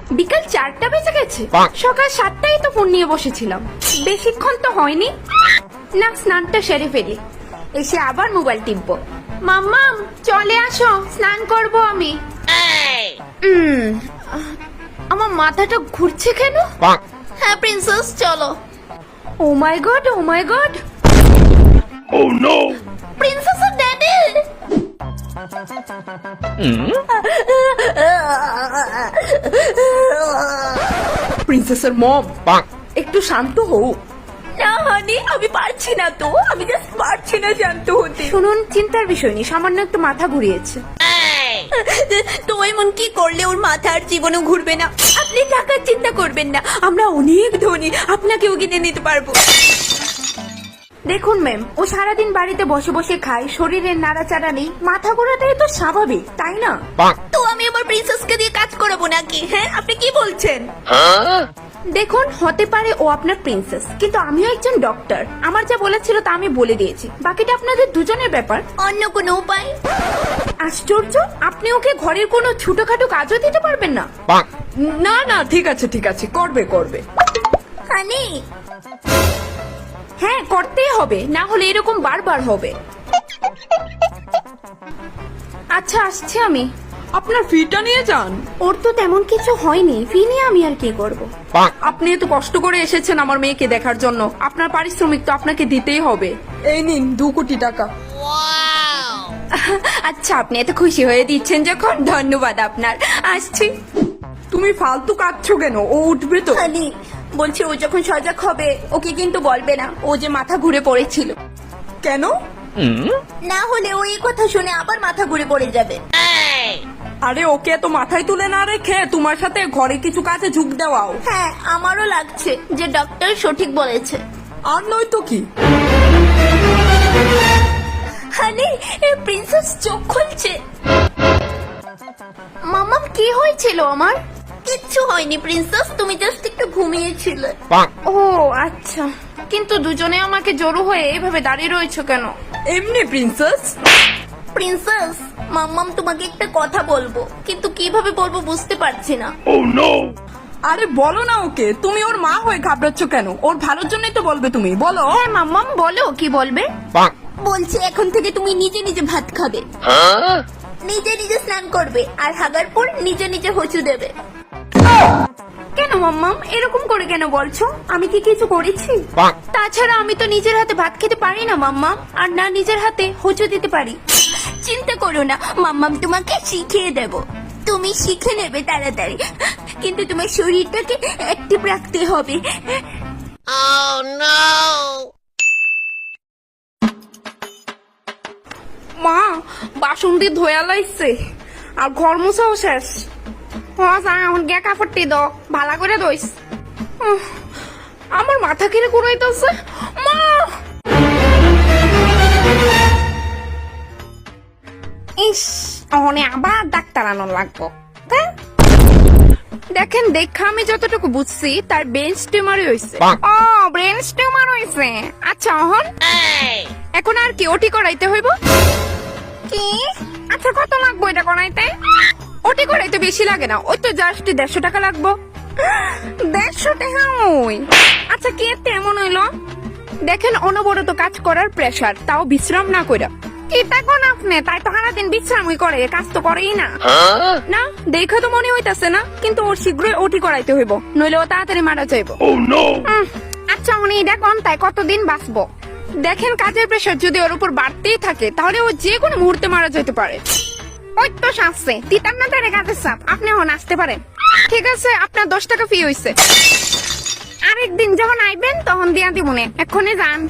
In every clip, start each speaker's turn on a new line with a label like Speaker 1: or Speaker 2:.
Speaker 1: বিকাল 4টা বেজে গেছে, সকাল 7টায় তো ফোন নিয়ে বসেছিলাম, বেশিক্ষণ তো হয়নি। না, স্নানটা সেরে ফেলি, এসে আবার মোবাইল টিপবো। মাম্মাম চলে আসো, স্নান করব আমি। আমার মাথাটা ঘুরছে কেন?
Speaker 2: হ্যাঁ প্রিন্সেস চলো।
Speaker 1: Oh my god, oh my god,
Speaker 3: Oh no!
Speaker 2: প্রিন্সেসের ড্যাডি।
Speaker 1: প্রিন্সেসের মম, একটু শান্ত হও।
Speaker 2: না হানি, আমি পারছি না তো, আমি জাস্ট পারছি না শান্ত হতে।
Speaker 1: শুনুন, চিন্তার বিষয় নেই, সামান্য একটু মাথা ঘুরিয়েছে।
Speaker 2: তো এমন কি করলে ওর মাথা আর জীবনও ঘুরবে না? আপনি টাকার চিন্তা করবেন না, আমরা অনেক ধনী, আপনাকেও কিনে নিতে পারবো।
Speaker 1: দেখুন ম্যাম, ও সারাদিন বাড়িতে বসে বসে খায়, শরীরের নাড়াচাড়া নেই, মাথা ঘোরাটাই তো স্বাভাবিক, তাই না?
Speaker 2: তো আমি আমার প্রিন্সেসকে দিয়ে কাজ করাবো নাকি? হ্যাঁ আপনি কি বলছেন?
Speaker 1: দেখুন, হতে পারে ও আপনার প্রিন্সেস, কিন্তু আমিও একজন ডক্টর, আমার যা বলেছিল তা আমি বলে দিয়েছি, বাকিটা আপনাদের দুজনের ব্যাপার।
Speaker 2: অন্য কোনো উপায়?
Speaker 1: আশ্চর্য, আপনি ওকে ঘরের কোনো ছোটখাটো কাজও দিতে পারবেন না?
Speaker 4: না না, ঠিক আছে ঠিক আছে, করবে করবে।
Speaker 2: হানি
Speaker 1: হ্যাঁ, করতেই হবে, না হলে এরকম বারবার হবে। আচ্ছা, আসছি আমি।
Speaker 4: আপনার ফিটা নিয়ে যান।
Speaker 1: ওর তো তেমন কিছু হয়নি, ফি নিয়ে আমি আর কি করব?
Speaker 4: আপনি এত কষ্ট করে এসেছেন আমার মেয়েকে দেখার জন্য, আপনার পারিশ্রমিক তো আপনাকে দিতেই হবে। এই নিন 2 কোটি টাকা।
Speaker 1: আচ্ছা, আপনি এত খুশি হয়ে দিচ্ছেন যখন, ধন্যবাদ আপনার, আসছি।
Speaker 4: তুমি ফালতু কাঁদছো কেন? ও উঠবে তো।
Speaker 2: হানি বলছি, ও যখন সজাগ হবে ওকে কিন্তু বলবে না ও যে মাথা ঘুরে পড়েছিল।
Speaker 4: কেন?
Speaker 2: না হলে ও এই কথা শুনে আবার মাথা ঘুরে পড়ে যাবে।
Speaker 4: আরে ওকে তো মাথায় তুলে না রেখে তোমার সাথে ঘরে কিছু কাজে ঝুঁক দেওয়াও।
Speaker 2: হ্যাঁ আমারও লাগছে যে ডক্টর সঠিক বলেছে।
Speaker 4: আর নয় তো কি।
Speaker 2: হানি, প্রিন্সেস চোখ খুলছে।
Speaker 1: মাম্মাম, কি হয়েছিল আমার?
Speaker 2: কিচ্ছু হয়নি প্রিন্সেস, তুমি জাস্ট একটু ঘুমিয়েছিলে।
Speaker 1: ও আচ্ছা, কিন্তু দুজনে আমাকে জড়ো হয়ে এভাবে দাঁড়িয়ে রয়েছে কেন?
Speaker 4: এমনি প্রিন্সেস।
Speaker 2: প্রিন্সেস, মাম্মাম তোমাকে একটা কথা বলবো, কিন্তু কিভাবে বলবো বুঝতে পারছি না।
Speaker 3: Oh no!
Speaker 4: আরে বলো না ওকে, তুমি ওর মা হয়ে ঘাবড়াচ্ছ কেন? ওর ভালোর জন্যই তো বলবে, তুমি বলো।
Speaker 1: হ্যাঁ মাম্মাম, বলো, কি বলবে?
Speaker 2: বলছি এখন থেকে তুমি নিজে নিজে ভাত খাবে, নিজে নিজে স্নান করবে, আর হাগার পর নিজে নিজে হচু দেবে।
Speaker 1: কেন মাম্মাম, এরকম করে কেন বলছো? আমি কি কিছু করেছি? তাছাড়া আমি তো নিজের হাতে ভাত খেতে পারি না মাম্মাম, আর না নিজের হাতে হোঁচট দিতে পারি।
Speaker 2: চিন্তা করো না, মাম্মাম তোমাকে শিখিয়ে দেব, তুমি শিখে নেবে তাড়াতাড়ি, কিন্তু তোমার শরীরটাকে অ্যাক্টিভ রাখতে হবে।
Speaker 1: মা, বাসন দিয়ে ধোয়া লাইছে, আর ঘর মুছাও শেষ। এখন গিয়া কাপড়টি দাও, ভালো করে দইস। আমার মাথা কিরে ঘুরাইতেছে। মা, ইস, অনে আবার ডাক্তার আনার লাগবো। দেখেন, দেখা আমি যতটুকু বুঝছি তার ব্রেন টিউমারই হয়েছে। ও, ব্রেন টিউমার হয়েছে। আচ্ছা, এখন আর কি ওটি করাইতে হইব? কি? আচ্ছা, কত লাগবো এটা করাইতে? ওটি করাইতে বেশি লাগে না, ওই তো জাস্ট 150 টাকা লাগবো। 150 টাকা? ওই আচ্ছা, কি এতে এমন হইলো? দেখেন, অনবরত কাজ করার প্রেসার, তাও বিশ্রাম না কইরা। কি দেখুন আপনি, তাই তো সারাদিন বিশ্রামই করে, কাজ তো করেই না। না, দেখে তো মনে হইতাছে না, কিন্তু ওর শীঘ্রই ওটি করাইতে হইব, নইলে ও তাড়াতাড়ি মারা যাইব।
Speaker 3: Oh no!
Speaker 1: আচ্ছা, উনি দেখুন তাই কতদিন বাঁচবো। দেখেন, কাজের প্রেসার যদি ওর উপর বাড়তেই থাকে তাহলে ও যে কোনো মুহূর্তে মারা যেতে পারে। ওই তো শাসছে, তিতার না তারে কাজের চাপ, আপনি এখন আসতে পারেন। ঠিক আছে, আপনার 10 টাকা ফি হইছে। আরেকদিন যখন আইবেন তখন দিয়া দিব মনে, এক্ষুনি যান।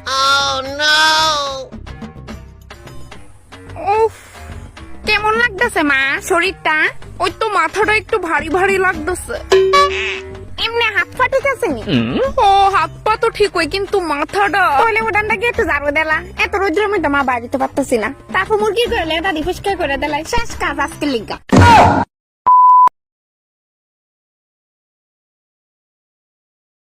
Speaker 1: উফ, কেমন লাগতেছে মা শরীরটা? ওই তো মাথাটা একটু ভারী ভারী লাগতেছে। এমনি হাত পা ঠিক আছে নি? ও, হাত পা তো ঠিক হয়, কিন্তু মাথাটা। তাহলে ওটানটা কি একটু ঝাড়ু দিলা? এত রোদ্রের মধ্যে মা বাড়িতে পারতেছি না, তারপর মুরগি করলে এটা রিফ্রেশ করে দিলাই, শেষ কাজ আজকে লিগা।